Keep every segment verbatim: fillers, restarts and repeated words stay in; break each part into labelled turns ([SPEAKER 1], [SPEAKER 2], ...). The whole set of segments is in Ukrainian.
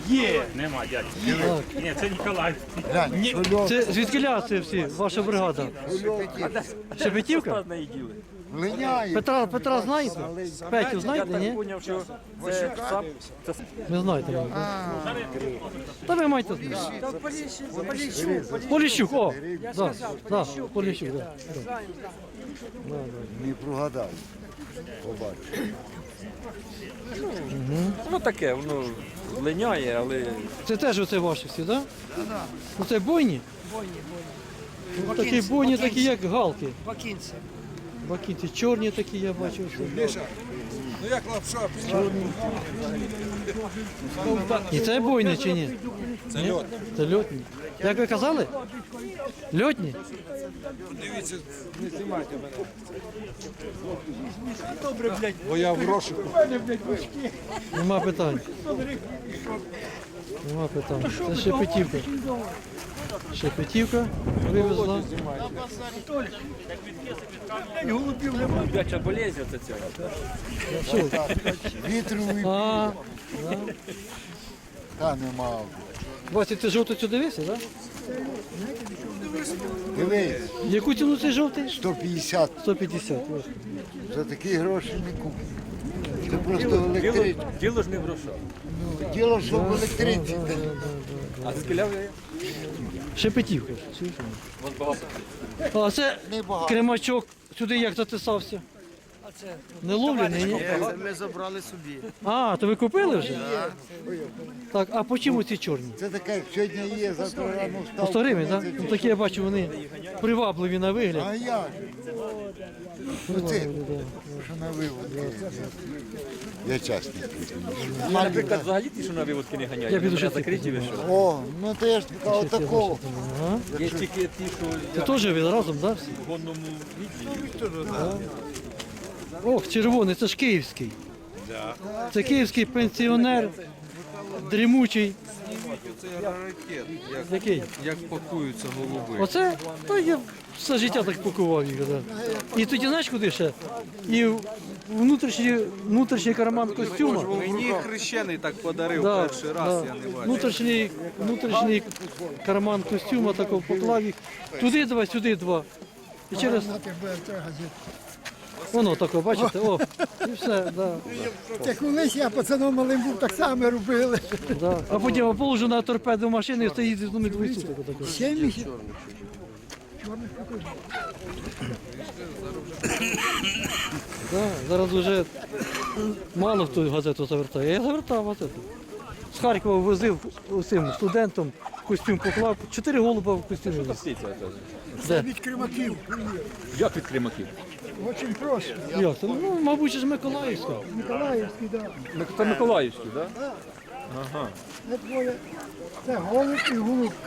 [SPEAKER 1] Є! Нема, дядь. Ні, це Ніколай.
[SPEAKER 2] Глянь,
[SPEAKER 3] Це звідкиля це всі, ваша бригада? Шепетівка?
[SPEAKER 2] линяє.
[SPEAKER 3] Петра, Петра знаєте? Петю знаєте,
[SPEAKER 1] Я
[SPEAKER 3] ні?
[SPEAKER 1] так поняв, що це сап. Це
[SPEAKER 3] Не знаєте. мабуть. Та ви маєте знати. Поліщук, о! Да, да, Поліщук, да.
[SPEAKER 2] Не прогадав. Побачиш.
[SPEAKER 1] ну таке, воно линяє, але
[SPEAKER 3] Це теж оце ваші всі, так? Да? Ну це бойні? Такі бойні, такі як галки.
[SPEAKER 4] Бакінці.
[SPEAKER 3] Бакінці чорні такі, я бачу. Всі.
[SPEAKER 5] Ну як лапша,
[SPEAKER 3] І це бойні чи ні?
[SPEAKER 5] це льот.
[SPEAKER 3] Це льотні. Як ви казали? Льотні?
[SPEAKER 5] Дивіться, не знімайте мене. Бо я в розшуку.
[SPEAKER 3] Нема питань. Нема питань. Це Шепетівка. Шепетівка вивезла.
[SPEAKER 1] дяча болезнь оце цього.
[SPEAKER 3] Що?
[SPEAKER 2] Вітровий
[SPEAKER 3] А,
[SPEAKER 2] та нема.
[SPEAKER 3] Вася, ти жовтий цю дивився, так?
[SPEAKER 2] Дивись,
[SPEAKER 3] Яку ціну цей жовтий?
[SPEAKER 2] сто п'ятдесят.
[SPEAKER 3] сто п'ятдесят. ось.
[SPEAKER 2] За такі гроші не купиш. Це просто в
[SPEAKER 1] Діло,
[SPEAKER 2] електриці.
[SPEAKER 1] діло ж не в грошах.
[SPEAKER 2] Діло, що в електриці.
[SPEAKER 1] А скіля ви?
[SPEAKER 3] Шепетівка. Чуєш?
[SPEAKER 1] Вон багато.
[SPEAKER 3] А це
[SPEAKER 2] Небагато.
[SPEAKER 3] кремачок сюди як затисався? Не ловлений, ні?
[SPEAKER 4] Ми забрали собі.
[SPEAKER 3] А, то ви купили вже? Так, а по чому ці чорні?
[SPEAKER 2] Це таке, як сьогодні є, завтра рано
[SPEAKER 3] По
[SPEAKER 2] встав.
[SPEAKER 3] сто гривень, так? Ну такі я бачу, вони привабливі на вигляд.
[SPEAKER 2] А як? Оце, що на виводки. Я чесний.
[SPEAKER 1] А, наприклад, взагалі ті, що на виводки не ганяють.
[SPEAKER 3] Я піду
[SPEAKER 1] вони
[SPEAKER 3] ще
[SPEAKER 1] закриті
[SPEAKER 3] цих
[SPEAKER 1] вийшов.
[SPEAKER 2] О, ну то я ж кажу такого.
[SPEAKER 3] Ага.
[SPEAKER 1] Є тільки ті, що
[SPEAKER 3] Це теж ви разом, так? всі?
[SPEAKER 1] в гонному відділі.
[SPEAKER 3] Ох, червоний, це ж київський. Це київський пенсіонер, дрімучий.
[SPEAKER 5] Це раритет, як,
[SPEAKER 3] Який?
[SPEAKER 5] як пакуються голуби.
[SPEAKER 3] Оце? Та я все життя так пакував їх. Да. І тоді знаєш куди ще? І в внутрішній, внутрішній карман костюма.
[SPEAKER 5] Мені хрещений так подарив
[SPEAKER 3] Да,
[SPEAKER 5] перший раз,
[SPEAKER 3] да.
[SPEAKER 5] я не бачив.
[SPEAKER 3] Внутрішній, внутрішній карман костюма такого поклав їх. Туди два, сюди два. І через... Воно таке, бачите, о, і все, да,
[SPEAKER 4] Це колись я пацаном малим був, так само робили.
[SPEAKER 3] да. А потім я положу на торпеду машини і стоїть з ними двоє суток. отако.
[SPEAKER 4] Сім місяців.
[SPEAKER 3] Да, зараз вже мало хто газету завертає. Я завертав газету. З Харкова возив усім студентам, костюм поклав. Чотири голуба в костюмі. віз.
[SPEAKER 1] Птиця, оце.
[SPEAKER 3] Де?
[SPEAKER 4] Від кримаків.
[SPEAKER 1] Як від кримаків?
[SPEAKER 4] Дуже просто.
[SPEAKER 3] Як це? Ну, мабуть, ж Миколаївська.
[SPEAKER 4] Миколаївський, так.
[SPEAKER 1] Ми- Це Миколаївський, так? Ага.
[SPEAKER 4] Це двоє. Це голуб і голубка.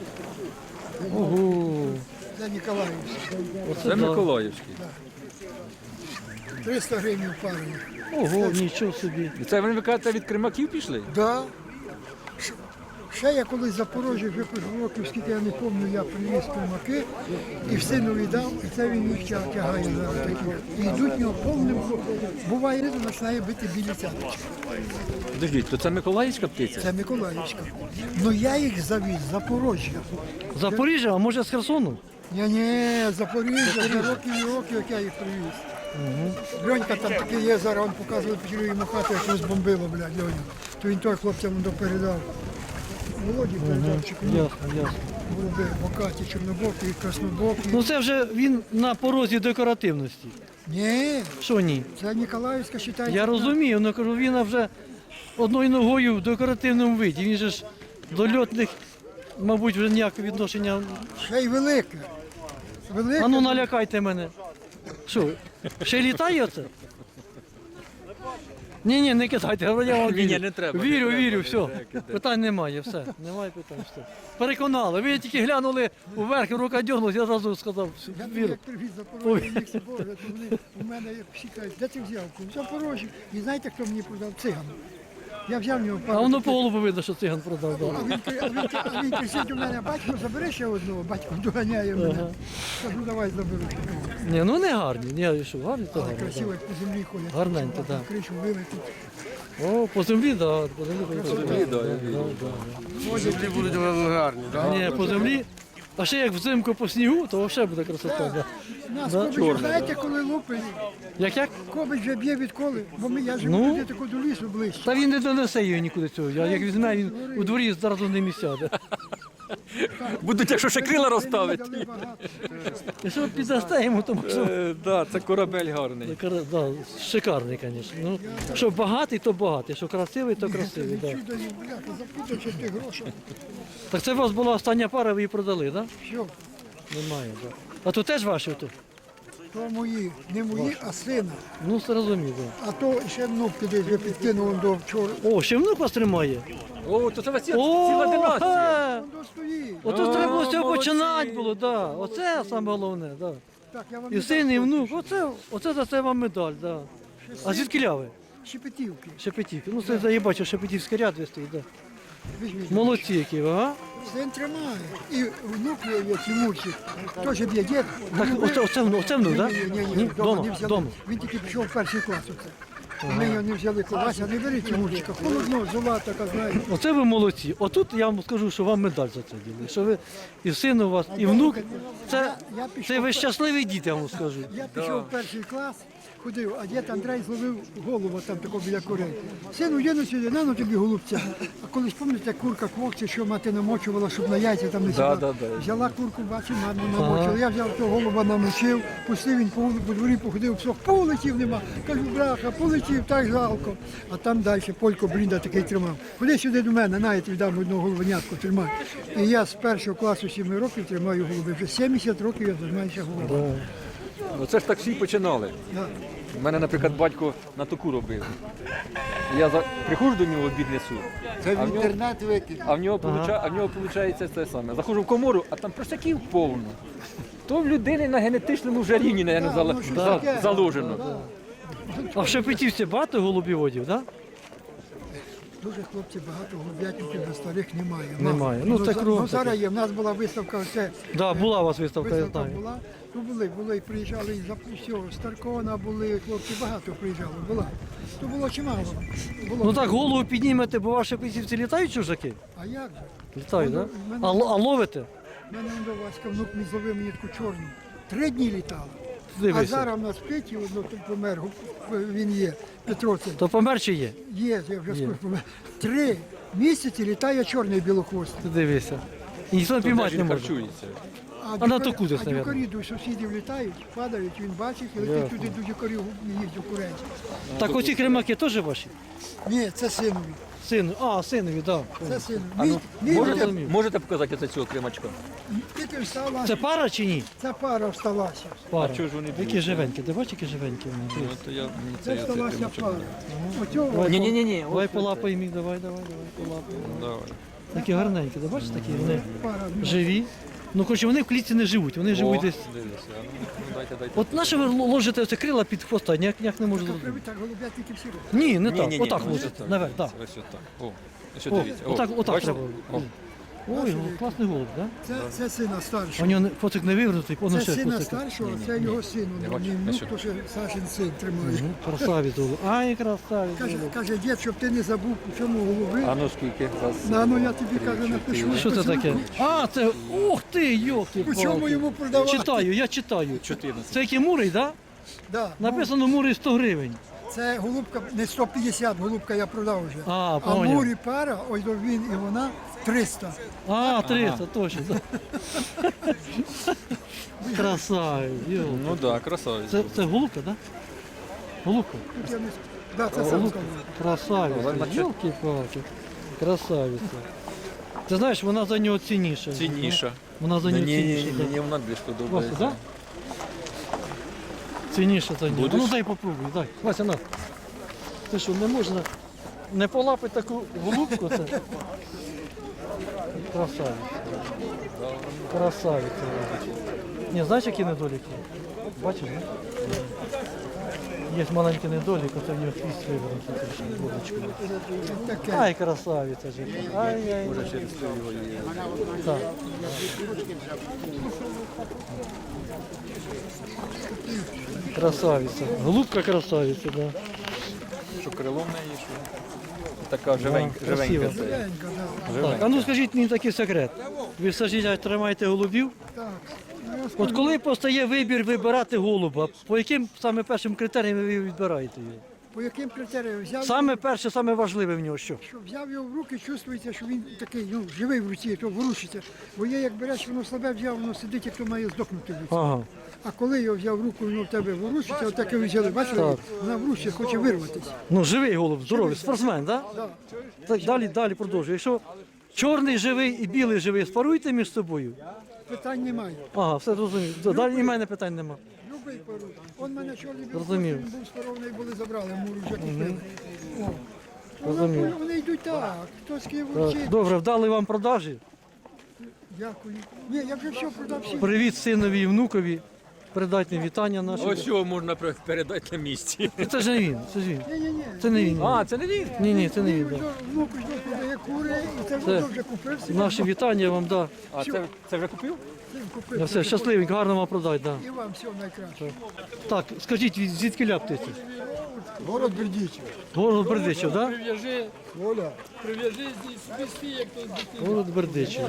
[SPEAKER 3] Ого.
[SPEAKER 4] Це Ніколаївський.
[SPEAKER 3] Оце
[SPEAKER 1] Це
[SPEAKER 3] да.
[SPEAKER 1] Миколаївський.
[SPEAKER 4] триста гривень пару.
[SPEAKER 3] Ого, нічого собі.
[SPEAKER 1] І це ви кажете, від кримаків пішли?
[SPEAKER 4] Да. Ш- Ще я колись в Запорожжі вже років, скільки я не пам'ятаю, я привіз кримаки і в синові дав, і це він їх тя- тягає зараз таких. І йдуть в нього повним, буває, ризу починає бити білі цяточки.
[SPEAKER 1] Подождіть, то це Миколаївська птиця?
[SPEAKER 4] Це Миколаївська. Ну я їх завіз з Запорожжя.
[SPEAKER 3] Запоріжжя, а може з Херсону?
[SPEAKER 4] Ні, ні, Запоріжжя, вже років і років, як я їх привіз. Льонька там такий є, зараз він показує, почали йому хату, як розбомбило, блядь, Льоню. То він той хлопцям допередав. Володі передав, чи кому
[SPEAKER 3] Ясно, ясно.
[SPEAKER 4] голуби, бокаті, чорнобокі, краснобокі.
[SPEAKER 3] Ну це вже він на порозі декоративності.
[SPEAKER 4] Ні,
[SPEAKER 3] Що ні?
[SPEAKER 4] це Ніколаївська, вважається.
[SPEAKER 3] Я розумію, але кажу, він вже одною ногою в декоративному виді. Він же ж до льотних, мабуть, вже ніякого відношення.
[SPEAKER 4] Ще й велика. Велика.
[SPEAKER 3] А ну налякайте мене. Що, ще й літає оце? Ні, ні, не кидайте, я вам
[SPEAKER 1] Ні,
[SPEAKER 3] вірю.
[SPEAKER 1] ні, не треба, не
[SPEAKER 3] Вірю,
[SPEAKER 1] треба.
[SPEAKER 3] вірю, все. Питань немає, все. Немає питань. Все. Переконали. Ви тільки глянули вверх, рука дьогнулась, я одразу сказав,
[SPEAKER 4] Я тобі
[SPEAKER 3] вірю.
[SPEAKER 4] як привіз Запорожжя, їх з собою, то вони у мене як всі кажуть, де ти взяв? В Запорожжі. І знаєте, хто мені продав? Циган. Я взяв в нього
[SPEAKER 3] А
[SPEAKER 4] пару.
[SPEAKER 3] воно
[SPEAKER 4] таких.
[SPEAKER 3] по голубу видно, що циган продав.
[SPEAKER 4] А
[SPEAKER 3] Да.
[SPEAKER 4] він, а він, а він кричить у мене, батько, забери ще одного, батько доганяє мене. Кажу, давай заберу.
[SPEAKER 3] Ні, ну не гарні. Ні, що, гарні, то
[SPEAKER 4] Але
[SPEAKER 3] гарні.
[SPEAKER 4] красиво,
[SPEAKER 3] Да.
[SPEAKER 4] як по землі ходять.
[SPEAKER 3] Гарненько,
[SPEAKER 4] Щоб
[SPEAKER 3] так.
[SPEAKER 4] на Кришу вилетить.
[SPEAKER 3] О, по землі, да, по землі, по
[SPEAKER 1] землі, да, я
[SPEAKER 3] да,
[SPEAKER 2] Землі будуть гарні,
[SPEAKER 3] да. Ні, по землі. А ще як взимку по снігу, то взагалі буде красота. Да.
[SPEAKER 4] Нас
[SPEAKER 3] Да.
[SPEAKER 4] кобич, знаєте, коли лупить,
[SPEAKER 3] Як як?
[SPEAKER 4] кобич вже б'є відколи, бо ми, я живу
[SPEAKER 3] Ну.
[SPEAKER 4] туди тако до лісу ближче.
[SPEAKER 3] Та він не донесе її нікуди цього. А як візьме, він у дворі зразу не місця.
[SPEAKER 1] Будуть, якщо ще крила розставить.
[SPEAKER 4] Дали багато.
[SPEAKER 3] Якщо піддасте йому, то може.
[SPEAKER 1] Е, да, це корабель гарний.
[SPEAKER 3] Кара- Да, шикарний, звісно. Ну, що багатий, то багатий, що красивий, то красивий. Да.
[SPEAKER 4] Чудо, бляха, запутавши ти гроші.
[SPEAKER 3] Так це у вас була остання пара, ви її продали, так?
[SPEAKER 4] Що?
[SPEAKER 3] Да? Немає, так. Да. А то теж ваші? То?
[SPEAKER 4] То мої, не мої, а сина.
[SPEAKER 3] Ну, зрозумів, так.
[SPEAKER 4] А то ще внук туди вже підкинув до вчора.
[SPEAKER 3] Да. О, ще внук вас тримає?
[SPEAKER 1] О, то це у вас є
[SPEAKER 3] О,
[SPEAKER 1] ціла династія.
[SPEAKER 3] ха!
[SPEAKER 4] Воно стоїть.
[SPEAKER 3] Ото
[SPEAKER 1] О,
[SPEAKER 3] треба було з цього
[SPEAKER 1] молодці.
[SPEAKER 3] починати було, да. Оце саме головне, да.
[SPEAKER 4] Так, я вам
[SPEAKER 3] І
[SPEAKER 4] не
[SPEAKER 3] син, і
[SPEAKER 4] дам
[SPEAKER 3] внук, оце, оце за це вам медаль, да. А звідки ляви?
[SPEAKER 4] Шепетівки.
[SPEAKER 3] Шепетівки. Ну, це я бачу, Шепетівський ряд ви стоїть, да.
[SPEAKER 4] Візьміть.
[SPEAKER 3] Молодці які, ви, ага.
[SPEAKER 4] Син тримає. І внук є Тимурчик. Теж б'є дід.
[SPEAKER 3] Так, оце, оце, внук, оце внук, так?
[SPEAKER 4] Ні, ні, ні,
[SPEAKER 3] Ні,
[SPEAKER 4] вдома
[SPEAKER 3] дома,
[SPEAKER 4] не взяли.
[SPEAKER 3] дома.
[SPEAKER 4] Він тільки пішов в перший клас оце. Ми його не взяли Вася, не бери Тимурчика. Холодно, зола така, знаєте.
[SPEAKER 3] Оце ви молодці. Отут я вам скажу, що вам медаль за це діли. Що ви і син у вас, і внук. Це,
[SPEAKER 4] Я пішов
[SPEAKER 3] це ви щасливі діти, я вам скажу.
[SPEAKER 4] Я пішов в перший клас, ходив, а дід Андрей зловив голову там такого біля курей. Сину, їду сюди, на ну тобі голубця. А колись пам'ятаєте, курка квокці, що мати намочувала, щоб на яйця там не сідала.
[SPEAKER 1] да, да.
[SPEAKER 4] Взяла курку, бачу, маму намочила. Я взяв того голуба, намочив, пустив він по, вулиці, по дворі, походив, псох, полетів нема. Кажу, браха, полетів, так жалко. А там далі Полько Брінда такий тримав. Ходи сюди до мене, на, я тобі дам одного головенятку, тримай. І я з першого класу сіми років тримаю голуби. Вже сімдесят років я займаюся голубами.
[SPEAKER 1] Оце ж так всі починали.
[SPEAKER 4] Да.
[SPEAKER 1] У мене, наприклад, батько на току робив. Я за... приходжу до нього обід несу,
[SPEAKER 2] Це
[SPEAKER 1] А
[SPEAKER 2] в
[SPEAKER 1] в нього-
[SPEAKER 2] інтернет викинув.
[SPEAKER 1] а в нього, получа... а в нього виходить те саме. Заходжу в комору, а там просяків повно. То в людини на генетичному вже рівні, наверное, зала...
[SPEAKER 4] воно щось
[SPEAKER 1] за-
[SPEAKER 4] таке.
[SPEAKER 1] заложено.
[SPEAKER 3] А в Шепетівці багато голубіводів, так?
[SPEAKER 4] Дуже хлопці багато голуб'ятників до старих немає.
[SPEAKER 3] Немає. Ну, це
[SPEAKER 4] за-
[SPEAKER 3] кругом
[SPEAKER 4] ну, зараз
[SPEAKER 3] таке.
[SPEAKER 4] є. В нас була виставка, оце,
[SPEAKER 3] Так, да, була у вас виставка, я
[SPEAKER 4] виставка
[SPEAKER 3] знаю.
[SPEAKER 4] була. Ну були, були, і приїжджали із всього, з Таркона були, хлопці багато приїжджали, була. То було чимало. Було.
[SPEAKER 3] Ну так, голову піднімете, бо ваші Шепетівці літають чужаки?
[SPEAKER 4] А як же?
[SPEAKER 3] Літають, так?
[SPEAKER 4] Ну,
[SPEAKER 3] Да? А, л- а ловите?
[SPEAKER 4] У мене он до Васька внук мій зловив мені таку чорну. Три дні літала. А
[SPEAKER 3] Дивися.
[SPEAKER 4] зараз в нас Петі, одно тут помер, він є, Петро це.
[SPEAKER 3] То помер чи є?
[SPEAKER 4] Є, я вже скоро помер. Три місяці літає чорний білохвостий.
[SPEAKER 3] Ти дивися. І ніхто
[SPEAKER 1] Де
[SPEAKER 3] піймати
[SPEAKER 1] ж
[SPEAKER 3] не
[SPEAKER 1] він
[SPEAKER 3] може.
[SPEAKER 1] харчується?
[SPEAKER 4] А,
[SPEAKER 3] на
[SPEAKER 4] дюкарі-
[SPEAKER 3] току десь,
[SPEAKER 4] а
[SPEAKER 3] навірно.
[SPEAKER 4] дюкарі до сусідів літають, падають, він бачить і летить
[SPEAKER 3] Ясно.
[SPEAKER 4] туди до дюкарів їсть до курей.
[SPEAKER 3] Так оці кремаки теж ваші?
[SPEAKER 4] Ні, це синові.
[SPEAKER 3] Сину. А, синові, так.
[SPEAKER 4] Це синові.
[SPEAKER 1] А
[SPEAKER 4] Мій,
[SPEAKER 1] ну,
[SPEAKER 4] мій
[SPEAKER 1] можете,
[SPEAKER 4] дитя-
[SPEAKER 3] розумію.
[SPEAKER 1] можете показати оце цього кремачка?
[SPEAKER 4] тільки встала,
[SPEAKER 3] Це пара чи ні?
[SPEAKER 4] ця пара всталася.
[SPEAKER 3] Пара.
[SPEAKER 1] А чого ж вони
[SPEAKER 3] Які
[SPEAKER 1] б'ють?
[SPEAKER 3] живенькі, ти бачиш, які живенькі вони?
[SPEAKER 1] Ну, то я, мені
[SPEAKER 4] Це
[SPEAKER 1] це,
[SPEAKER 4] всталася пара. Оцього
[SPEAKER 3] Давай,
[SPEAKER 1] Ні-ні-ні,
[SPEAKER 3] Давай
[SPEAKER 1] ось
[SPEAKER 3] полапаємо їх, давай, давай, давай, полапаємо.
[SPEAKER 1] Давай.
[SPEAKER 3] Такі гарненькі, ти бачиш, такі вони
[SPEAKER 4] пара.
[SPEAKER 3] живі. Ну, коротше, вони в клітці не живуть, вони живуть
[SPEAKER 1] О,
[SPEAKER 3] десь.
[SPEAKER 1] дивися, ну, ну, дайте, дайте.
[SPEAKER 3] От наше ви ложите оце крила під хвоста, ніяк, ніяк не можу
[SPEAKER 4] Так,
[SPEAKER 3] зрозуміти.
[SPEAKER 4] так голубятники всі роблять.
[SPEAKER 3] Ні, не так,
[SPEAKER 1] Ні-ні-ні,
[SPEAKER 3] отак
[SPEAKER 1] ось
[SPEAKER 3] ложите,
[SPEAKER 1] отак,
[SPEAKER 3] наверх, так.
[SPEAKER 1] Ось отак. О, ось
[SPEAKER 3] О,
[SPEAKER 1] дивіться. О,
[SPEAKER 3] отак, отак
[SPEAKER 1] бачите?
[SPEAKER 3] треба.
[SPEAKER 1] О,
[SPEAKER 3] Ой, класний голуб, так?
[SPEAKER 4] Це, це сина
[SPEAKER 3] У
[SPEAKER 4] старшого.
[SPEAKER 3] нього не- фотик не вивернутий, воно
[SPEAKER 4] Це
[SPEAKER 3] ще
[SPEAKER 4] сина
[SPEAKER 3] фотик.
[SPEAKER 4] старшого, це його син.
[SPEAKER 1] бачу,
[SPEAKER 4] Мій
[SPEAKER 1] ось
[SPEAKER 4] внук,
[SPEAKER 1] сюди.
[SPEAKER 4] то ще Сашин син тримає.
[SPEAKER 3] Красавець голуб. Ай, красавець
[SPEAKER 4] Каже,
[SPEAKER 3] голуб.
[SPEAKER 4] каже, дід, щоб ти не забув, у чому голуби.
[SPEAKER 1] А ну скільки? Раз,
[SPEAKER 4] На, ну я тобі каже, напишу.
[SPEAKER 3] Що це таке? А, це, ух ти, йолки
[SPEAKER 4] У чому йому продавати?
[SPEAKER 3] Читаю, я читаю.
[SPEAKER 1] чотирнадцять.
[SPEAKER 3] Це який мурий, так?
[SPEAKER 4] Да, ну,
[SPEAKER 3] Написано мурий сто гривень.
[SPEAKER 4] це голубка, не сто п'ятдесят, голубка я продав вже.
[SPEAKER 3] А,
[SPEAKER 4] а
[SPEAKER 3] поняв.
[SPEAKER 4] мурі пара, ось до він і вона триста.
[SPEAKER 3] А, триста, точно. Красавець, йолки.
[SPEAKER 1] Ну так, да, красавець.
[SPEAKER 3] Це, це голубка, так? Голубка.
[SPEAKER 4] Тут я не... Да, це сам
[SPEAKER 3] Голубка.
[SPEAKER 4] сказав.
[SPEAKER 3] Красавиця, йолки-палки. Красавиця. Ти знаєш, вона за нього цінніша.
[SPEAKER 1] Цінніша.
[SPEAKER 3] Вона за
[SPEAKER 1] Ні,
[SPEAKER 3] нього
[SPEAKER 1] ні, ні,
[SPEAKER 3] цінніша.
[SPEAKER 1] ні,
[SPEAKER 3] да.
[SPEAKER 1] мені вона більш
[SPEAKER 3] Вася,
[SPEAKER 1] подобається.
[SPEAKER 3] да? Цінніше за нього.
[SPEAKER 1] Будеш?
[SPEAKER 3] Ну дай попробуй, дай. Вася, на. Ти що, не можна не полапити таку голубку? Це? Красавиця. Красавиця. Ні, знаєш, які недоліки? Бачиш, не? Є маленький недолік, оце в нього хвіст вивернутий трішки, булочкою.
[SPEAKER 4] Таке.
[SPEAKER 3] Ай, красавиця ж. Ай-яй.
[SPEAKER 1] Через то його є.
[SPEAKER 3] Так. Красавиця. Голубка красавиця, да.
[SPEAKER 1] Що крилом не є, що? така живенька,
[SPEAKER 3] Да,
[SPEAKER 1] живенька.
[SPEAKER 3] красиво.
[SPEAKER 1] це.
[SPEAKER 4] Живенько, да.
[SPEAKER 3] Так, а ну скажіть мені такий секрет. Ви все життя тримаєте голубів?
[SPEAKER 4] Так. Ну, я
[SPEAKER 3] От
[SPEAKER 4] скажу,
[SPEAKER 3] коли постає вибір вибирати голуба, по яким саме першим критеріям ви відбираєте його?
[SPEAKER 4] по яким критеріям взяв,
[SPEAKER 3] Саме перше, саме важливе в нього що?
[SPEAKER 4] що взяв його в руки, чувствується, що він такий, ну, живий в руці, то ворушиться. Бо є, як береш, воно слабе взяв, воно сидить, як то має здохнути в руці.
[SPEAKER 3] Ага.
[SPEAKER 4] А коли його взяв в руку, воно в тебе ворушиться, отаке ви взяли, бачили,
[SPEAKER 3] Так.
[SPEAKER 4] вона врушиться, хоче вирватися.
[SPEAKER 3] Ну, живий голуб, здоровий, спортсмен, так?
[SPEAKER 4] Да.
[SPEAKER 3] Так, далі, далі продовжуй. Якщо чорний живий і білий живий, спаруйте між собою.
[SPEAKER 4] Питань немає.
[SPEAKER 3] Ага, все зрозумів. Далі і в мене питань нема.
[SPEAKER 4] Любий пару. Он мене чорний був,
[SPEAKER 3] Розумів.
[SPEAKER 4] він був спарований, були забрали, муру вже купили. О.
[SPEAKER 3] Розумів.
[SPEAKER 4] Воно, вони йдуть так, хто з Києва
[SPEAKER 3] Так,
[SPEAKER 4] вчить.
[SPEAKER 3] добре, вдали вам продажі.
[SPEAKER 4] Дякую. Ні, я вже все продав всім.
[SPEAKER 3] Привіт синові і внукові. Передайте вітання наші.
[SPEAKER 1] Ось що можна передати на місці.
[SPEAKER 3] Це ж не він, це ж він.
[SPEAKER 4] Ні, ні, ні.
[SPEAKER 3] Це не він.
[SPEAKER 1] А, це не він?
[SPEAKER 3] Ні, ні, це не він. да.
[SPEAKER 4] Внуку ж продає кури, і це
[SPEAKER 3] Це
[SPEAKER 4] вже вже купив. всі
[SPEAKER 3] Наші вітання вам, да.
[SPEAKER 1] А це, це вже купив?
[SPEAKER 4] всім
[SPEAKER 3] Я
[SPEAKER 4] купив.
[SPEAKER 3] все, щасливенько, гарно вам продать, да.
[SPEAKER 4] І вам всього найкраще.
[SPEAKER 3] Так, скажіть, від- звідки ля птиця?
[SPEAKER 2] Город Бердичев.
[SPEAKER 3] Город Бердичев, так? Да?
[SPEAKER 6] Прив'яжи,
[SPEAKER 2] Оля.
[SPEAKER 6] прив'яжи здесь вести, як то дитина.
[SPEAKER 3] Город Бердичев.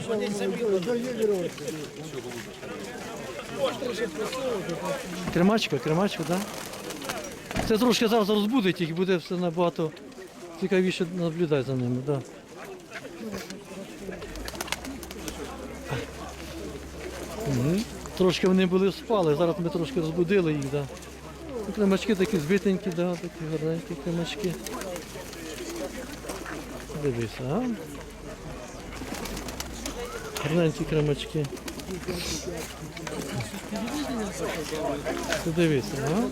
[SPEAKER 3] Кремачка, кремачка, так? Да? Це трошки зараз розбудить їх, буде все набагато цікавіше наблюдати за ними, так. Да. Мгм. Трошки вони були спали, зараз ми трошки розбудили їх, да. Ну, кремачки такі збитенькі, да, такі гарненькі кремачки. Дивися, а? Гарненькі кремачки. Ти дивися, а?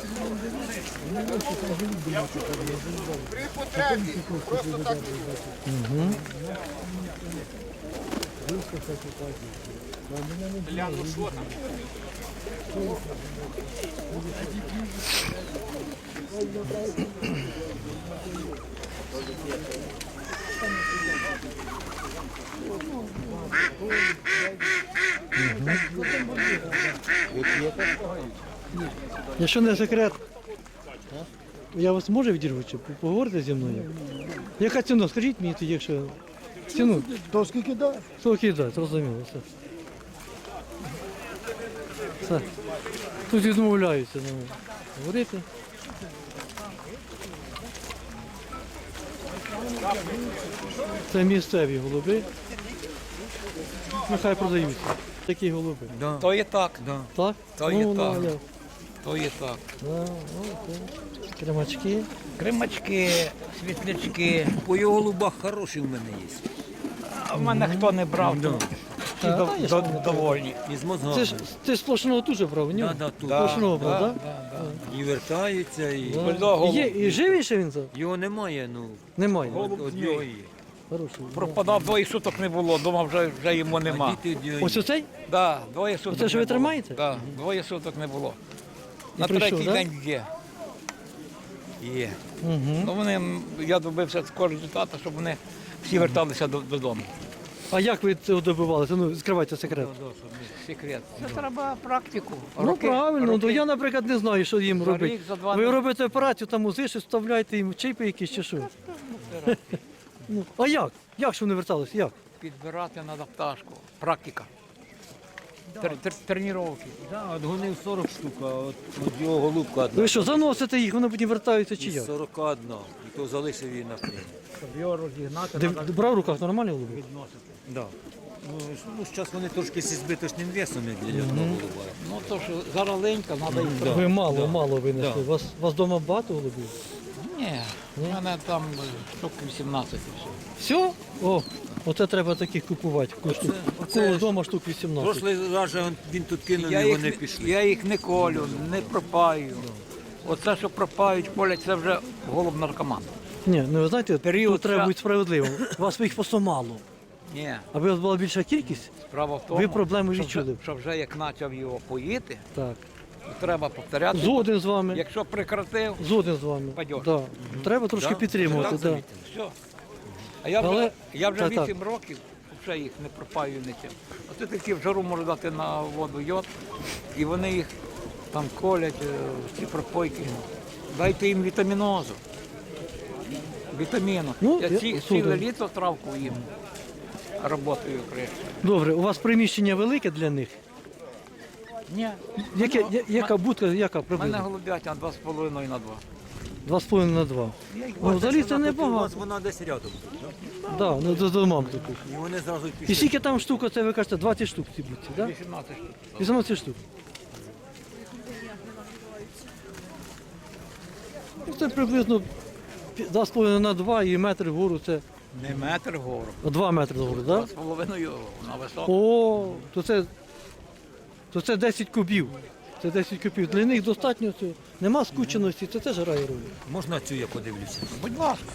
[SPEAKER 3] Угу. Якщо не секрет, я вас можу відірвати, чи поговорити зі мною? Яка ціна? Скажіть мені тоді, якщо ціну.
[SPEAKER 2] То скільки да?
[SPEAKER 3] Скільки дати, зрозуміло. Все. Все. Тут відмовляються ну, говорити. Це місцеві голуби. Нехай продаються. Такі голуби.
[SPEAKER 5] То є так,
[SPEAKER 3] Так?
[SPEAKER 5] То є
[SPEAKER 3] Ну,
[SPEAKER 5] так.
[SPEAKER 3] ну, я-
[SPEAKER 5] то є так.
[SPEAKER 3] Да, окей. Кремачки.
[SPEAKER 7] Кримачки, світлячки. По його голубах хороші в мене є. А в мене хто не брав, то всі
[SPEAKER 3] А,
[SPEAKER 7] до-
[SPEAKER 3] та, я
[SPEAKER 7] до-
[SPEAKER 3] ж не
[SPEAKER 7] довольні.
[SPEAKER 5] І з
[SPEAKER 3] Це
[SPEAKER 5] мозгами.
[SPEAKER 3] ж ти сплошного дуже брав, ні?
[SPEAKER 5] Да, да, тут.
[SPEAKER 3] Сплошного брав, так?
[SPEAKER 5] І вертаються, і
[SPEAKER 3] Да. Є, і живий ще він? за?
[SPEAKER 5] його немає, ну,
[SPEAKER 3] Немає.
[SPEAKER 5] от, от його є.
[SPEAKER 3] Хороший.
[SPEAKER 7] Пропадав, двоє суток не було, дома вже, вже йому
[SPEAKER 5] А
[SPEAKER 7] нема.
[SPEAKER 5] діти від його
[SPEAKER 3] Ось
[SPEAKER 5] є.
[SPEAKER 3] оцей?
[SPEAKER 7] Да, двоє суток
[SPEAKER 3] Оце, що
[SPEAKER 7] не
[SPEAKER 3] ви
[SPEAKER 7] було.
[SPEAKER 3] тримаєте?
[SPEAKER 7] Да, двоє суток не було. На
[SPEAKER 3] прийшов,
[SPEAKER 7] третій
[SPEAKER 3] да?
[SPEAKER 7] день є. Є.
[SPEAKER 3] Угу.
[SPEAKER 7] Ну, вони, м, я добився такого результату, щоб вони всі верталися до- додому.
[SPEAKER 3] А як ви цього добивалися? Ну, скривайте секрет.
[SPEAKER 7] Секрет. Це треба практику.
[SPEAKER 3] Ну
[SPEAKER 7] Роки-
[SPEAKER 3] правильно,
[SPEAKER 7] роки.
[SPEAKER 3] ну я, наприклад, не знаю, що їм
[SPEAKER 7] За
[SPEAKER 3] робити.
[SPEAKER 7] рік, за два
[SPEAKER 3] Ви
[SPEAKER 7] не-
[SPEAKER 3] робите операцію, там узиш, вставляєте їм чипи якісь чи що? Ну, а як? Як що вони верталися? Як?
[SPEAKER 7] Підбирати треба пташку. Практика. Тр- тр- Тренування.
[SPEAKER 5] Да, от гонив сорок штук, а от, от його голубка одна.
[SPEAKER 3] Ви що, заносите їх, вони потім вертаються чи
[SPEAKER 5] Із
[SPEAKER 3] як?
[SPEAKER 5] сорок одна. І то залишив її на плені.
[SPEAKER 7] Щоб його розігнати,
[SPEAKER 3] Де,
[SPEAKER 7] треба
[SPEAKER 3] брав в руках нормальні голуби?
[SPEAKER 5] Да. Ну, ж- ну, зараз вони трошки зі збиточним весом, як для одного голуба.
[SPEAKER 7] Ну то що зараз ленька, треба їх.
[SPEAKER 5] Да.
[SPEAKER 3] Ви мало,
[SPEAKER 5] да.
[SPEAKER 3] мало винесли. У вас, у вас вдома багато голубів?
[SPEAKER 7] Ні, в мене там е, штук вісімнадцять і все.
[SPEAKER 3] Все? О, оце треба таких купувати. У
[SPEAKER 5] оце
[SPEAKER 3] кого
[SPEAKER 5] ж-
[SPEAKER 3] вдома штук вісімнадцять.
[SPEAKER 5] Прошлий раз же он- він тут кинув,
[SPEAKER 7] Я
[SPEAKER 5] і
[SPEAKER 7] їх,
[SPEAKER 5] вони
[SPEAKER 7] не-
[SPEAKER 5] пішли.
[SPEAKER 7] я їх не колю, не пропаю. Оце, що пропають, колять, це вже голуб наркоман.
[SPEAKER 3] Ні, ну ви знаєте,
[SPEAKER 7] Період
[SPEAKER 3] тут треба
[SPEAKER 7] ша-
[SPEAKER 3] бути справедливим. У вас їх просто мало.
[SPEAKER 7] Ні,
[SPEAKER 3] Аби у вас була більша кількість,
[SPEAKER 7] справа в тому,
[SPEAKER 3] Ви проблеми
[SPEAKER 7] що
[SPEAKER 3] відчули.
[SPEAKER 7] вже, що вже як почав його поїти,
[SPEAKER 3] так.
[SPEAKER 7] то треба повторяти.
[SPEAKER 3] Згоден з вами.
[SPEAKER 7] Якщо прекратив,
[SPEAKER 3] Згоден з вами.
[SPEAKER 7] Пойдеш.
[SPEAKER 3] Да. Треба трошки
[SPEAKER 5] Да?
[SPEAKER 3] підтримувати.
[SPEAKER 5] Так
[SPEAKER 3] Да.
[SPEAKER 5] замітили?
[SPEAKER 7] все. А я вже,
[SPEAKER 3] Але-
[SPEAKER 7] я вже
[SPEAKER 3] так, так.
[SPEAKER 7] вісім років вже їх не пропаю нічим. Оце такі в жару можу дати на воду йод, і вони їх там колять, е, ці пропойки. Дайте їм вітамінозу.
[SPEAKER 6] Вітаміну.
[SPEAKER 3] Ну,
[SPEAKER 6] я
[SPEAKER 3] я-
[SPEAKER 6] ці,
[SPEAKER 3] судя.
[SPEAKER 6] ціле літо травку їм. Работаю краще.
[SPEAKER 3] Добре, у вас приміщення велике для них?
[SPEAKER 6] Ні.
[SPEAKER 3] Яке, я- яка будка, яка
[SPEAKER 6] У мене
[SPEAKER 3] приблизно?
[SPEAKER 6] голубятня два з половиною на два.
[SPEAKER 3] Два з половиною на два. Ну, взагалі це
[SPEAKER 5] У вас
[SPEAKER 3] небагато.
[SPEAKER 5] вона десь рядом.
[SPEAKER 3] Да, ну до домам таких.
[SPEAKER 5] І вони зразу
[SPEAKER 3] І
[SPEAKER 5] пішли.
[SPEAKER 3] скільки там штук, це ви кажете, двадцять штук ці будці, так?
[SPEAKER 6] вісімнадцять штук.
[SPEAKER 3] вісімнадцять штук. Ну, це приблизно пі- два з половиною на два і метр вгору це
[SPEAKER 6] Не метр вгору.
[SPEAKER 3] два метри вгору,
[SPEAKER 6] Два
[SPEAKER 3] так?
[SPEAKER 6] з половиною на високу.
[SPEAKER 3] О, то це, то це десять кубів. Це десять кубів. Для них достатньо цього. Нема скученості, це теж грає роль.
[SPEAKER 5] Можна цю я подивлюся?
[SPEAKER 6] Будь ласка.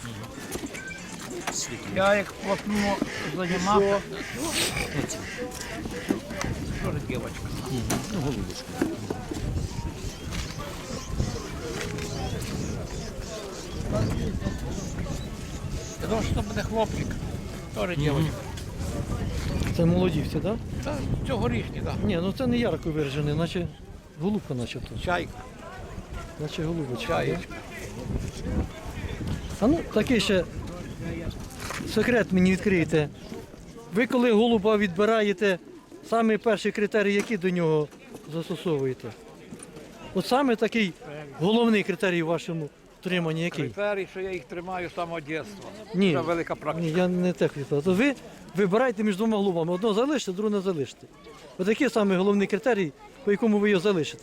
[SPEAKER 6] Я як плотно займався. Що ж дівчинка?
[SPEAKER 5] Ну, голубочку.
[SPEAKER 6] Я думав, що це буде хлопчик. Теж дівчинка.
[SPEAKER 3] Це молоді всі, так?
[SPEAKER 6] Та цьогорічні, так.
[SPEAKER 3] Ні, ну це не ярко виражений, наче голубка начебто.
[SPEAKER 6] Чайка.
[SPEAKER 3] Наче голубочка.
[SPEAKER 6] Чаєчка.
[SPEAKER 3] А ну, такий ще секрет мені відкриєте. Ви коли голуба відбираєте, саме перший критерій, який до нього застосовуєте? От саме такий головний критерій в вашому утриманні який?
[SPEAKER 6] Критерій, що я їх тримаю з самого дитинства.
[SPEAKER 3] Ні.
[SPEAKER 6] Це велика практика.
[SPEAKER 3] Ні, я не те хотів. То ви вибираєте між двома голубами. Одного залишите, другого не залишите. Ось який саме головний критерій, по якому ви його залишите?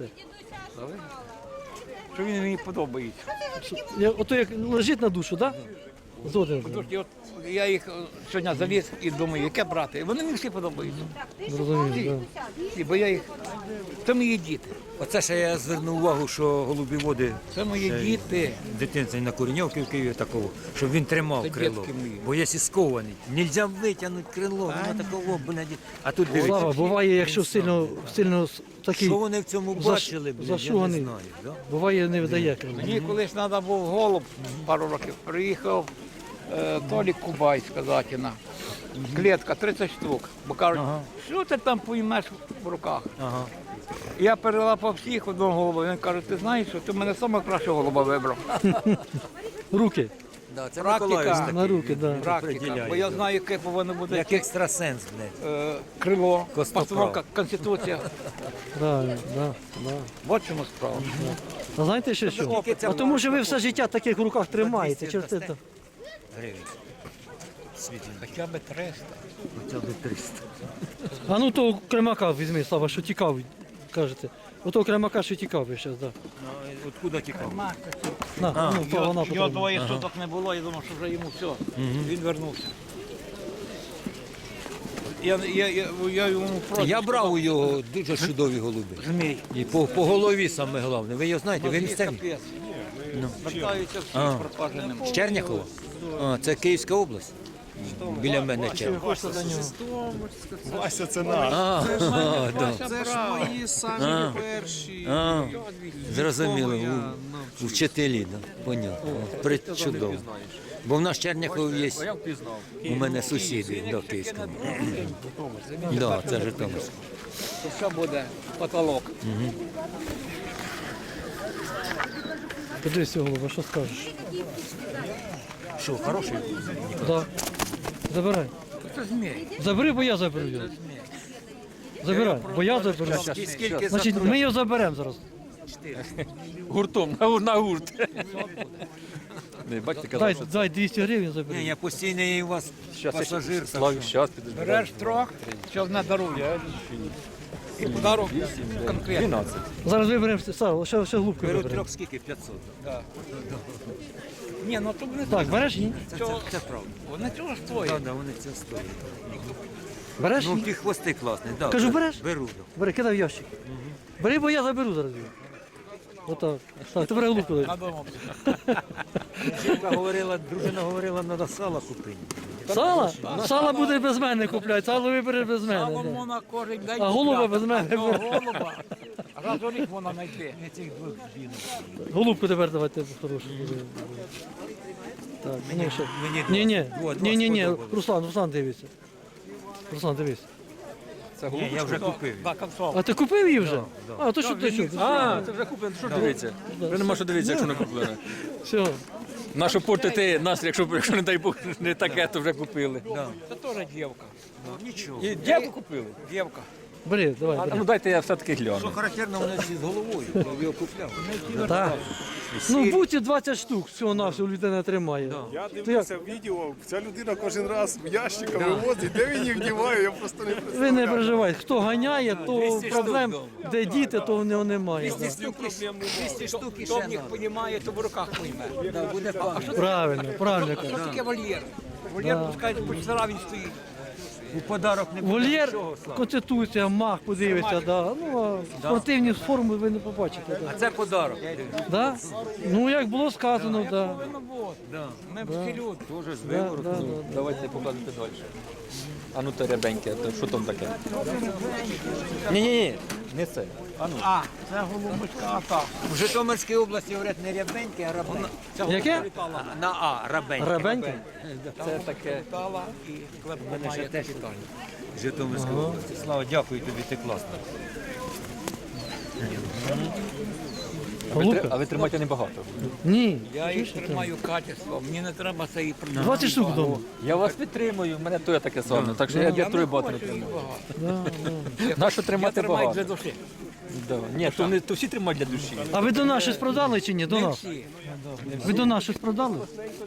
[SPEAKER 6] Що він мені подобається.
[SPEAKER 3] Я- Ото як лежить на душу, так? Да? Згоден.
[SPEAKER 6] Тож я, от, я їх е, сьогодні заліз і думаю, яке брати. І вони мені всі подобаються.
[SPEAKER 3] Зрозумів, да.
[SPEAKER 6] І, бо я їх. Це мої діти.
[SPEAKER 5] Оце ще я звернув увагу, що голубі води
[SPEAKER 6] Це мої діти.
[SPEAKER 5] дитинці на Куреньовці в Києві такого, щоб він тримав
[SPEAKER 6] Це
[SPEAKER 5] крило.
[SPEAKER 6] дітки мої.
[SPEAKER 5] Бо якщо скований, нельзя витягнути крило, воно такого, блядь. А тут
[SPEAKER 3] Слава,
[SPEAKER 5] дивіться,
[SPEAKER 3] буває, якщо сильно, сильно с- такий
[SPEAKER 5] що вони в цьому
[SPEAKER 3] заш-
[SPEAKER 5] бачили, блядь, я не
[SPEAKER 3] зашуганий.
[SPEAKER 5] знаю. Да?
[SPEAKER 3] Буває, не видає крила.
[SPEAKER 6] Мені колись треба був голуб пару років. Приїхав е, Толік Кубай з Казатіна. Клітка тридцять штук. Бо кажуть, що ти там поймеш в руках?
[SPEAKER 5] Ага.
[SPEAKER 6] Я перелапав всіх одного голуба. Він каже, ти знаєш, що ти мене саме кращого голуба вибрав.
[SPEAKER 3] Руки
[SPEAKER 5] Да, це
[SPEAKER 6] Практика.
[SPEAKER 5] Миколаївсь такий.
[SPEAKER 3] на руки, да.
[SPEAKER 6] Практика.
[SPEAKER 5] Определяє,
[SPEAKER 6] Бо я
[SPEAKER 5] да.
[SPEAKER 6] знаю, яке повинно бути
[SPEAKER 5] Як екстрасенс, блядь.
[SPEAKER 6] е, крило,
[SPEAKER 5] Костоправ.
[SPEAKER 6] постановка, конституція.
[SPEAKER 3] Правильно, да, да.
[SPEAKER 6] От чому справа.
[SPEAKER 3] А знаєте ще що?
[SPEAKER 5] опит.
[SPEAKER 3] А тому що ви все життя таких в руках тримаєте. Через це,
[SPEAKER 5] дасте?
[SPEAKER 3] то-
[SPEAKER 5] Гривень. Світло.
[SPEAKER 6] Хоча б триста.
[SPEAKER 5] Хоча б триста.
[SPEAKER 3] А ну того кремака візьми, Слава, що тікав, кажете. Ото кремака, що тікав ви зараз, да.
[SPEAKER 5] Ну, откуда тікав?
[SPEAKER 3] На, ну, то вона
[SPEAKER 6] Його
[SPEAKER 3] потрібна.
[SPEAKER 6] двоє суток не було, я думав, що вже йому все. Він вернувся. Я, я, я, я йому просто
[SPEAKER 5] Я брав у його дуже чудові голуби.
[SPEAKER 6] змій.
[SPEAKER 5] І по, по голові саме головне. Ви його знаєте, ви місцеві?
[SPEAKER 6] Капець. Вертаються всі
[SPEAKER 5] А.
[SPEAKER 6] пропаженим.
[SPEAKER 5] З Черняхова? А, це Київська область. Біля мене Черняхова.
[SPEAKER 3] Хочете до нього.
[SPEAKER 8] Вася, це наш.
[SPEAKER 5] А, а, да.
[SPEAKER 8] Це ж мої самі перші.
[SPEAKER 5] А, зрозуміло,
[SPEAKER 8] Я,
[SPEAKER 5] у-
[SPEAKER 8] ну,
[SPEAKER 5] вчителі, да. Понятно. Причудово. Бо в нас Черняхов є, у мене сусіди до Київського. Да, це Житомирська.
[SPEAKER 6] То що буде потолок.
[SPEAKER 3] Подивись, голуба, що скажеш?
[SPEAKER 5] Що, хороший?
[SPEAKER 3] Да. Забирай.
[SPEAKER 6] Це змій.
[SPEAKER 3] Забери, бо я заберу його. Забирай, бо я заберу.
[SPEAKER 5] І скільки
[SPEAKER 3] Значить, ми його заберемо зараз.
[SPEAKER 1] Гуртом, на, на гурт. Не, бачите, казав,
[SPEAKER 3] Дай,
[SPEAKER 1] що це.
[SPEAKER 3] дай двісті гривень
[SPEAKER 5] Ні,
[SPEAKER 3] забери.
[SPEAKER 5] я постійний у вас
[SPEAKER 1] Щас, я
[SPEAKER 5] пасажир. так
[SPEAKER 1] Славі,
[SPEAKER 5] що-
[SPEAKER 1] щас піду.
[SPEAKER 6] Береш трьох, що не дарує. І подарок конкретно.
[SPEAKER 1] дванадцять.
[SPEAKER 3] Зараз виберемо Слава, ще, ще глубку
[SPEAKER 5] Беру
[SPEAKER 3] виберемо.
[SPEAKER 5] трьох скільки? п'ятсот.
[SPEAKER 6] Ні, ну то вони
[SPEAKER 3] Так, береш? Ні?
[SPEAKER 5] Це, це,
[SPEAKER 6] Цього-
[SPEAKER 5] це правда.
[SPEAKER 6] Вони чого ж твої?
[SPEAKER 5] Так, да, вони це стоять.
[SPEAKER 3] Береш?
[SPEAKER 5] Ну,
[SPEAKER 3] Ні?
[SPEAKER 5] ті хвости класні. Да,
[SPEAKER 3] Кажу,
[SPEAKER 5] бер-
[SPEAKER 3] береш?
[SPEAKER 5] Беру. Да.
[SPEAKER 3] Бери, кидай в ящик. Бери, бо я заберу зараз його. Отак. Так, ти бери глубку. дай.
[SPEAKER 6] Надумав.
[SPEAKER 5] Жінка говорила, дружина говорила, треба сало купити.
[SPEAKER 3] Сало? Сало буде без мене купляти, сало вибере без мене.
[SPEAKER 6] Сало
[SPEAKER 3] да.
[SPEAKER 6] можна кожен день.
[SPEAKER 3] А голуба
[SPEAKER 6] купляти.
[SPEAKER 3] без мене
[SPEAKER 6] А того
[SPEAKER 3] бере.
[SPEAKER 6] голуба раз у рік можна знайти.
[SPEAKER 3] Голубку тепер давайте хорошу. Так, ну що?
[SPEAKER 5] Мені
[SPEAKER 3] Ні, ні,
[SPEAKER 5] два- два
[SPEAKER 3] ні, ні, ні,
[SPEAKER 5] сподобалось.
[SPEAKER 3] Руслан, Руслан дивиться. Руслан, дивись.
[SPEAKER 1] Це
[SPEAKER 5] Ні, я вже купив.
[SPEAKER 6] Так, концов.
[SPEAKER 3] А ти купив її вже? А, то що ти що?
[SPEAKER 1] А, це вже куплено, що дивиться? Вже нема що дивитися, якщо не куплено.
[SPEAKER 3] Все.
[SPEAKER 1] Нащо портити нас, якщо, якщо не дай Бог, не таке, то вже купили.
[SPEAKER 7] Це теж дівка.
[SPEAKER 1] І дівку купили.
[SPEAKER 7] Дівка.
[SPEAKER 3] Бери, давай,
[SPEAKER 1] А,
[SPEAKER 3] бери.
[SPEAKER 1] ну дайте я все-таки гляну.
[SPEAKER 5] Характерно, вони всі з головою, я його купляв.
[SPEAKER 3] Так. Ну, в буці двадцять штук всього на всього людина тримає.
[SPEAKER 8] Я дивлюся відео, ця людина кожен раз ящиком вивозить, де він їх вдіває, я просто не
[SPEAKER 3] Ви не
[SPEAKER 8] представляю.
[SPEAKER 3] переживайте, хто ганяє, то проблем, де діти, то в нього немає. да.
[SPEAKER 7] двісті штук і ще їх понімає, то в руках пойме. А що
[SPEAKER 3] Правильно, правильно
[SPEAKER 7] що
[SPEAKER 3] кажуть.
[SPEAKER 7] таке вольєр? Вольєр, пускають, почтара він стоїть.
[SPEAKER 5] У подарок не
[SPEAKER 3] Вольєр, конституція, мах, подивиться, да. Ну, а спортивні форми ви не побачите. Да.
[SPEAKER 5] Це подарок.
[SPEAKER 3] Да? Ну, як було сказано, да.
[SPEAKER 7] Ми всі люди.
[SPEAKER 3] Да, да, да.
[SPEAKER 1] Давайте показуйте далі. А ну те рябеньке, то що там таке? Ні-ні-ні, не це. А ну.
[SPEAKER 7] А, це голубочка, а так.
[SPEAKER 5] В Житомирській області говорять не рябеньке, а рабеньке.
[SPEAKER 3] Яке?
[SPEAKER 5] На А, рабеньке.
[SPEAKER 3] Рабеньке?
[SPEAKER 1] Це таке.
[SPEAKER 7] Тала і клепка має
[SPEAKER 5] теж
[SPEAKER 7] капітальну.
[SPEAKER 5] В Житомирській області. Слава, дякую тобі, ти класно.
[SPEAKER 1] А ви,
[SPEAKER 3] Голубка?
[SPEAKER 1] тр- а ви тримаєте небагато.
[SPEAKER 3] Ні.
[SPEAKER 7] Я їх тримаю качество, мені не треба це і продавати.
[SPEAKER 3] двадцять штук вдома.
[SPEAKER 1] Я вас підтримую, в мене то я таке саме. Так що я, я троє багато не тримаю.
[SPEAKER 3] Да, да.
[SPEAKER 1] Нащо
[SPEAKER 7] Я
[SPEAKER 1] тримати
[SPEAKER 7] тримаю
[SPEAKER 1] багато?
[SPEAKER 7] для душі.
[SPEAKER 1] Да. Ні, то, не, то всі тримають для душі.
[SPEAKER 3] А ви до нас щось продали чи ні? До нас?
[SPEAKER 7] Всі.
[SPEAKER 3] Ви до нас щось продали?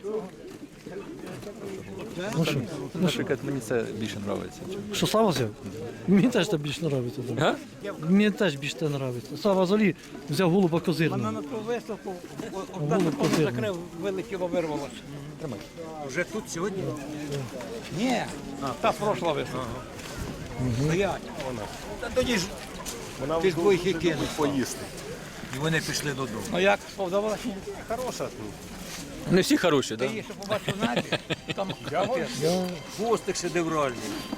[SPEAKER 3] Ну що?
[SPEAKER 1] Наприклад, мені це більше подобається.
[SPEAKER 3] Що, Сава взяв? Мені теж це більше подобається. Да.
[SPEAKER 1] Га?
[SPEAKER 3] Мені теж більше це подобається. Сава взагалі взяв голуба
[SPEAKER 7] Вона
[SPEAKER 3] козирного.
[SPEAKER 7] на ту виставку
[SPEAKER 3] Голуб
[SPEAKER 7] одна
[SPEAKER 3] козирний.
[SPEAKER 7] закрив, вилетіло, вирвалося.
[SPEAKER 5] Вже тут сьогодні?
[SPEAKER 7] Ні, та пройшла виставка. Стоять.
[SPEAKER 5] Та тоді ж
[SPEAKER 8] Вона
[SPEAKER 5] ти ж двоїх і кинув.
[SPEAKER 8] поїсти.
[SPEAKER 5] І вони пішли додому.
[SPEAKER 7] Ну як, сподобалося?
[SPEAKER 8] Хороша.
[SPEAKER 1] Не всі хороші,
[SPEAKER 7] Ти
[SPEAKER 1] так?
[SPEAKER 7] її ще побачив в небі, там
[SPEAKER 5] Хвостик шедевральний.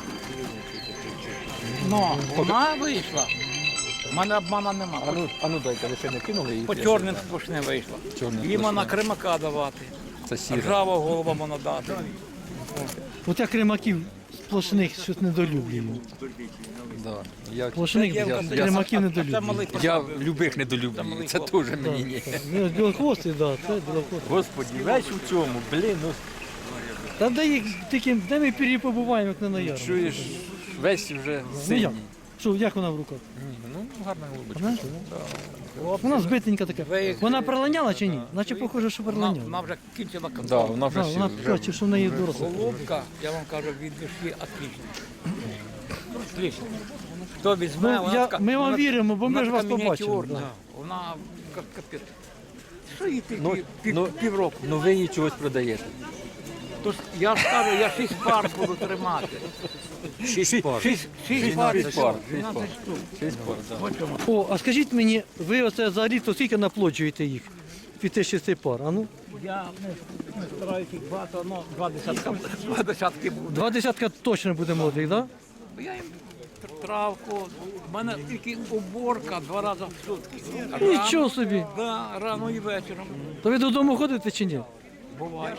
[SPEAKER 7] ну, вона вийшла. У мене обмана нема.
[SPEAKER 1] А ну, а ну дайте, ви ще не кинули її?
[SPEAKER 7] По чорним сплошним вийшла.
[SPEAKER 1] Чорним
[SPEAKER 7] Їм вона
[SPEAKER 1] сплошним.
[SPEAKER 7] кримака давати.
[SPEAKER 1] Це сіре.
[SPEAKER 7] Ржава голуба вона дати.
[SPEAKER 3] От я кримаків сплошних щось недолюблюю.
[SPEAKER 1] Да. Я,
[SPEAKER 3] Сплошних
[SPEAKER 1] я, я,
[SPEAKER 3] кримаків
[SPEAKER 7] Це
[SPEAKER 3] недолюблюю.
[SPEAKER 7] малий
[SPEAKER 1] я любих недолюблюю. Це теж мені ні.
[SPEAKER 3] Ну, білохвостий, да, це білохвостий.
[SPEAKER 1] Господи, весь у цьому, блін, ну
[SPEAKER 3] Та де їх тільки, де ми пір'ї побуваємо, як не на ярмарку?
[SPEAKER 1] чуєш, весь вже
[SPEAKER 3] Ну
[SPEAKER 1] синій.
[SPEAKER 3] як? Що, як вона в руках?
[SPEAKER 1] Ну, гарна голубочка.
[SPEAKER 3] Знаєш? Вона збитенька така. Вона прилиняла чи ні? Наче похоже, що
[SPEAKER 7] Вона,
[SPEAKER 3] прилиняла.
[SPEAKER 7] вона вже кінчила
[SPEAKER 1] Да,
[SPEAKER 7] контроль.
[SPEAKER 1] вона вже,
[SPEAKER 3] Да,
[SPEAKER 1] всі-
[SPEAKER 3] вона
[SPEAKER 1] вже
[SPEAKER 3] така, що в неї доросла.
[SPEAKER 7] Голубка, я вам кажу, від душі отлично. Отлично. Хто візьме,
[SPEAKER 3] Ну,
[SPEAKER 7] вона
[SPEAKER 3] я-
[SPEAKER 7] така,
[SPEAKER 3] ми вам
[SPEAKER 7] вона-
[SPEAKER 3] віримо, бо ми
[SPEAKER 7] вона
[SPEAKER 3] ж вас
[SPEAKER 7] така
[SPEAKER 3] побачили,
[SPEAKER 7] мініатюрна.
[SPEAKER 3] да.
[SPEAKER 7] Вона як капець. Що їй тільки
[SPEAKER 1] Ну,
[SPEAKER 7] пів,
[SPEAKER 1] ну,
[SPEAKER 7] півроку?
[SPEAKER 1] ну ви її чогось продаєте.
[SPEAKER 7] Тож я ж кажу, я шість пар буду тримати.
[SPEAKER 5] Шість пар.
[SPEAKER 7] Шість, шість пар,
[SPEAKER 1] Шість пар, шість
[SPEAKER 7] дванадцять
[SPEAKER 1] пар.
[SPEAKER 7] штук.
[SPEAKER 1] Шість пар, да.
[SPEAKER 7] Ось чому.
[SPEAKER 3] О, а скажіть мені, ви оце за рік то скільки наплоджуєте їх? Піти шести пар, а ну?
[SPEAKER 7] Я не, не стараюся їх багато, ну, два десятка, два десятки буде.
[SPEAKER 3] Два десятка точно буде молодих, так?
[SPEAKER 7] Я їм тр- травку, в мене тільки уборка два рази в сутки.
[SPEAKER 3] Да? Нічого собі.
[SPEAKER 7] Да, рано і вечором.
[SPEAKER 3] То ви додому ходите чи ні?
[SPEAKER 7] Буває.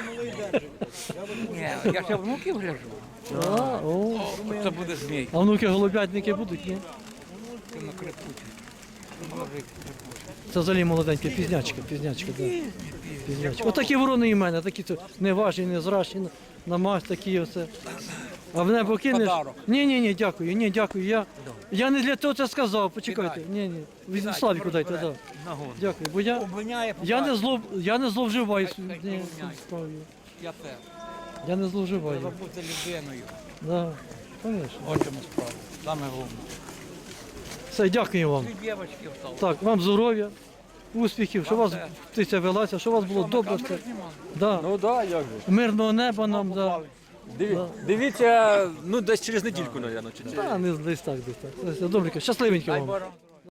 [SPEAKER 7] Ні, я ще внуків гляжу.
[SPEAKER 3] А, о.
[SPEAKER 7] О, це буде змій.
[SPEAKER 3] А внуки голубятники будуть, ні?
[SPEAKER 7] Це на крепучі.
[SPEAKER 3] Це взагалі молоденькі, пізнячка, пізнячка, да. Пізнячка. Отакі ворони і в мене, такі то неважні, незрачні, на- на мазь такі оце. А в небо кинеш?
[SPEAKER 7] Подарок.
[SPEAKER 3] Ні, ні, ні, дякую, ні, дякую. Я, я не для того це сказав, почекайте. Ні, ні. Від Славіку дайте, да. Дякую. Бо я,
[SPEAKER 7] Обвиняє,
[SPEAKER 3] я не зло, я не зловживаю.
[SPEAKER 7] Хай- хай
[SPEAKER 3] Ні,
[SPEAKER 7] обвиняє.
[SPEAKER 3] справою.
[SPEAKER 7] Я теж.
[SPEAKER 3] Я не зловживаю.
[SPEAKER 7] Треба бути людиною.
[SPEAKER 3] Да, звісно.
[SPEAKER 7] Ось чому справа. Саме головне.
[SPEAKER 3] Все, дякую вам.
[SPEAKER 7] Дві дівчатки встали.
[SPEAKER 3] Так, вам здоров'я, успіхів, щоб у вас птиця велася, щоб у вас було добре все. Да.
[SPEAKER 1] Ну так, як же.
[SPEAKER 3] Мирного неба нам, да.
[SPEAKER 1] Диві, дивіться, ну десь через недільку, мабуть, чи ні?
[SPEAKER 3] Та, не десь так, десь так. Все, добренько, щасливенько
[SPEAKER 7] Дай
[SPEAKER 3] вам.
[SPEAKER 7] Боже.